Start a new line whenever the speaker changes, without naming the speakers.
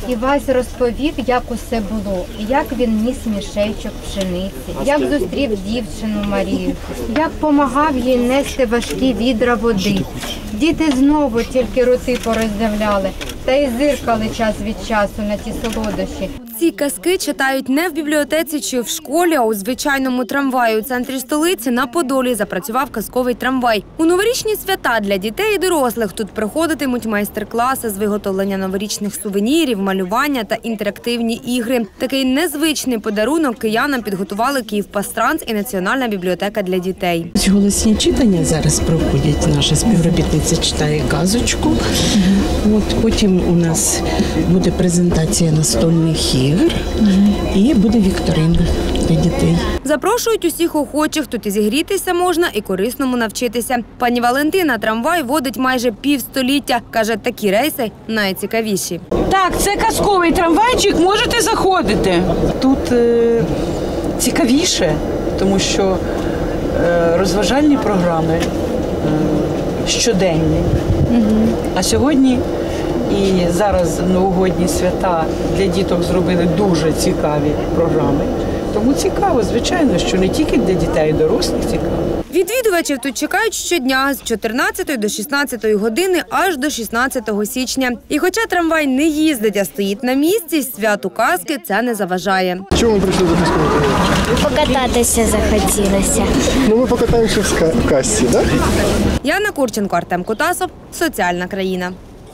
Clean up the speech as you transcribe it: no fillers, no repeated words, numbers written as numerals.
Івась розповів, як усе було, як він ніс мішечок пшениці, як зустрів дівчину Марію, як помагав їй нести важкі відра води. Діти знову тільки роти пороздявляли та й зиркали час від часу на ті солодощі.
Ці казки читають не в бібліотеці чи в школі, а у звичайному трамваї. У центрі столиці на Подолі запрацював казковий трамвай. У новорічні свята для дітей і дорослих тут проходитимуть майстер-класи з виготовлення новорічних сувенірів, малювання та інтерактивні ігри. Такий незвичний подарунок киянам підготували Київпастранс і Національна бібліотека для дітей.
Голосні читання зараз проходять. Наша співробітниця читає казочку. Потім у нас буде презентація настольних ігор і буде вікторина для дітей.
Запрошують усіх охочих, тут і зігрітися можна, і корисному навчитися. Пані Валентина трамвай водить майже півстоліття. Каже, такі рейси найцікавіші.
Так, це казковий трамвайчик, можете заходити. Тут цікавіше, тому що розважальні програми щоденні. А сьогодні і зараз новогодні свята для діток зробили дуже цікаві програми. Тому цікаво, звичайно, що не тільки для дітей, і дорослих цікаво.
Відвідувачів тут чекають щодня з 14 до 16 години аж до 16 січня. І хоча трамвай не їздить, а стоїть на місці, святу казки це не заважає.
Чому ми прийшли до казкового трамвайчика?
Покататися захотілося.
Ну, ми покатаємося в касці, так?
Яна Курченко, Артем Кутасов, Соціальна країна.